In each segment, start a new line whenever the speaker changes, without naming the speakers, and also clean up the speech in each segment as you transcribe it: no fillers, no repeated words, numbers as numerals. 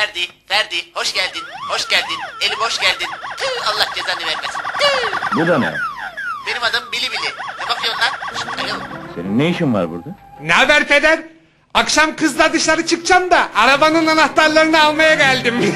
Ferdi, hoş geldin, hoş geldin. Elim hoş geldin. Tüh, Allah cezanı vermesin. Tüh.
Bu da ne?
Benim adım Bili Bili. Ne bakıyorsun lan? Şşt, alo.
Senin ne işin var burada?
Ne haber peder? Akşam kızla dışarı çıkacağım da arabanın anahtarlarını almaya geldim.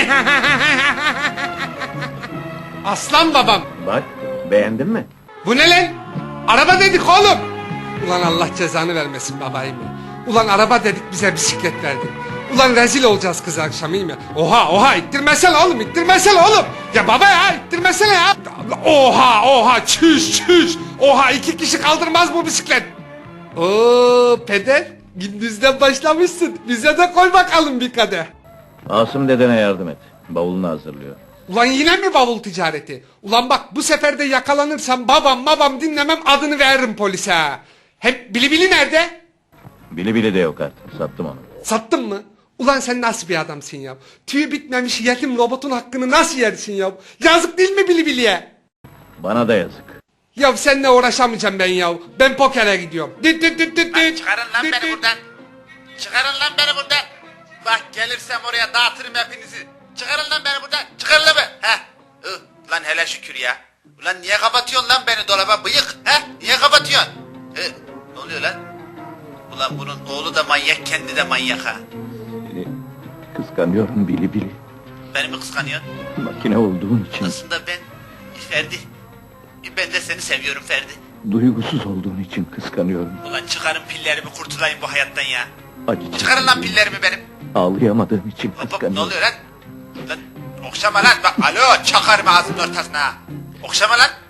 Aslan babam.
Bak, beğendin mi?
Bu ne lan? Araba dedik oğlum. Ulan Allah cezanı vermesin babayım ya. Ulan araba dedik bize bisiklet verdin. Ulan rezil olacağız kız akşam iyi mi? Oha ittirmesene oğlum ittirmesene oğlum. Ya baba ya ittirmesene ya. Oha çüş. Oha 2 kişi kaldırmaz bu bisiklet. Oo peder gündüzden başlamışsın. Bize de koy bakalım bir kadeh.
Asım dedene yardım et. Bavulunu hazırlıyor.
Ulan yine mi bavul ticareti? Ulan bak bu sefer de yakalanırsam babam dinlemem adını veririm polise ha. Hem Bili nerede?
Bili bili de yok artık. Sattım onu.
Sattın mı? Ulan sen nasıl bir adamsın ya? Tüyü bitmemiş yetim robotun hakkını nasıl yersin ya? Yazık değil mi Bili'ye?
Bana da yazık.
Ya seninle uğraşamayacağım ben ya. Ben pokere gidiyorum. Düt.
Lan çıkarın lan beni buradan. Çıkarın lan beni buradan. Bak gelirsem oraya dağıtırım hepinizi. Çıkarın lan beni buradan. Çıkarın lan beni. Heh. Lan hele şükür ya. Ulan niye kapatıyorsun lan beni dolaba bıyık? He? Niye kapatıyorsun? Ne oluyor lan? Ulan bunun oğlu da manyak, kendi de manyak ha.
Seni kıskanıyorum Bili bili.
Beni mi kıskanıyorsun?
Makine olduğun için,
Aslında ben Ferdi. Ben de seni seviyorum Ferdi.
duygusuz olduğun için kıskanıyorum.
Ulan çıkarın pillerimi, kurtulayım bu hayattan ya.
Acı
Çıkarın lan
çektiğim,
pillerimi benim.
ağlayamadığım için
Hop hop, ne
kıskanıyorum.
oluyor lan? Lan okşama lan bak, alo çakarım ağzının ortasına ha. Okşama lan.